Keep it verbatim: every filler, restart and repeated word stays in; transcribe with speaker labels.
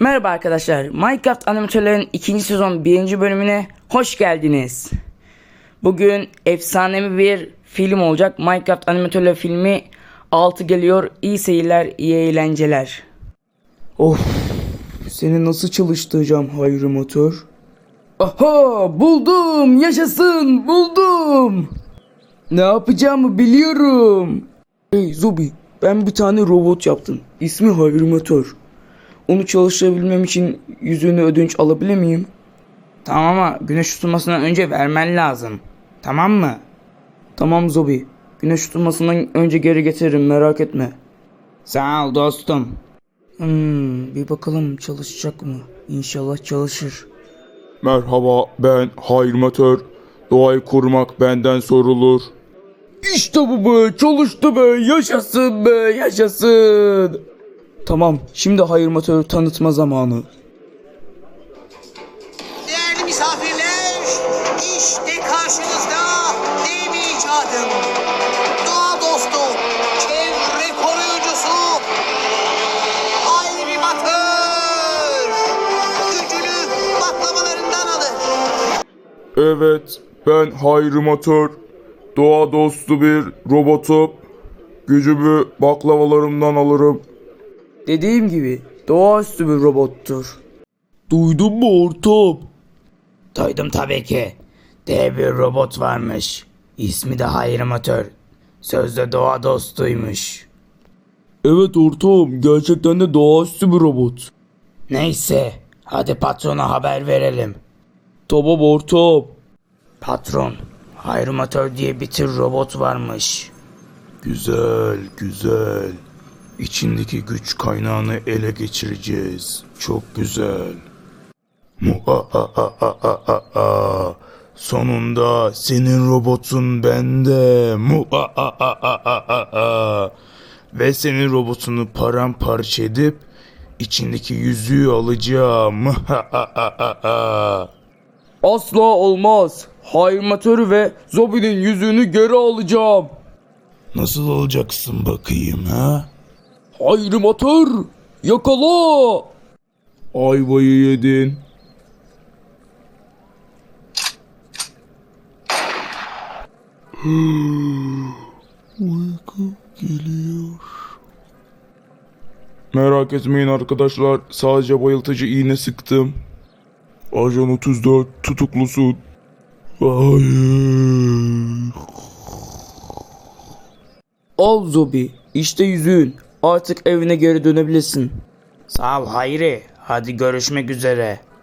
Speaker 1: Merhaba arkadaşlar, Minecraft Animatörlerin ikinci sezon birinci bölümüne hoş geldiniz. Bugün efsanevi bir film olacak. Minecraft Animatörler filmi altı geliyor. İyi seyirler, iyi eğlenceler. Of, seni nasıl çalıştıracağım Hayri Motor? Aha, buldum, yaşasın, buldum. Ne yapacağımı biliyorum. Hey Zobi, ben bir tane robot yaptım. İsmi Hayri Motor. Onu çalıştırabilmem için yüzüğünü ödünç alabilir miyim? Tamam ama güneş tutulmasından önce vermen lazım. Tamam mı? Tamam Zobi. Güneş tutulmasından önce geri getiririm, merak etme. Sağ ol dostum. Hmm, bir bakalım çalışacak mı? İnşallah çalışır.
Speaker 2: Merhaba, ben Hayrimatör. Doğayı korumak benden sorulur.
Speaker 1: İşte bu be, çalıştı be, yaşasın be, yaşasın. Tamam, şimdi Hayrimatör'ü tanıtma zamanı.
Speaker 3: Değerli misafirler, işte karşınızda dev icadım. Doğa dostu, çevre koruyucusu, Hayrimatör. Gücünü baklavalarından alır.
Speaker 2: Evet, ben Hayrimatör. Doğa dostu bir robotum. Gücümü baklavalarımdan alırım.
Speaker 1: Dediğim gibi doğaüstü bir robottur.
Speaker 2: Duydun mu ortam?
Speaker 1: Duydum tabii ki. Dev bir robot varmış. İsmi de Hayrimatör. Sözde doğa dostuymuş.
Speaker 2: Evet ortam, gerçekten de doğaüstü bir robot.
Speaker 1: Neyse, hadi patrona haber verelim.
Speaker 2: Tamam ortam.
Speaker 1: Patron, Hayrimatör diye bir tür robot varmış.
Speaker 2: Güzel, güzel. İçindeki güç kaynağını ele geçireceğiz. Çok güzel. Muhahahahaha. Sonunda senin robotun bende. Muhahahahaha. Ve senin robotunu paramparça edip içindeki yüzüğü alacağım. Muhahahahaha.
Speaker 1: Asla olmaz. Hayrimatörü ve Zobi'nin yüzüğünü geri alacağım.
Speaker 2: Nasıl olacaksın bakayım ha?
Speaker 1: Hayrimatör, yakala.
Speaker 2: Ayvayı yedin. Uyku geliyor. Merak etmeyin arkadaşlar. Sadece bayıltıcı iğne sıktım. Ajan otuz dört tutuklusun. Hayır.
Speaker 1: Al Zobi, işte yüzüğün. Artık evine geri dönebilirsin. Sağ ol Hayri. Hadi görüşmek üzere.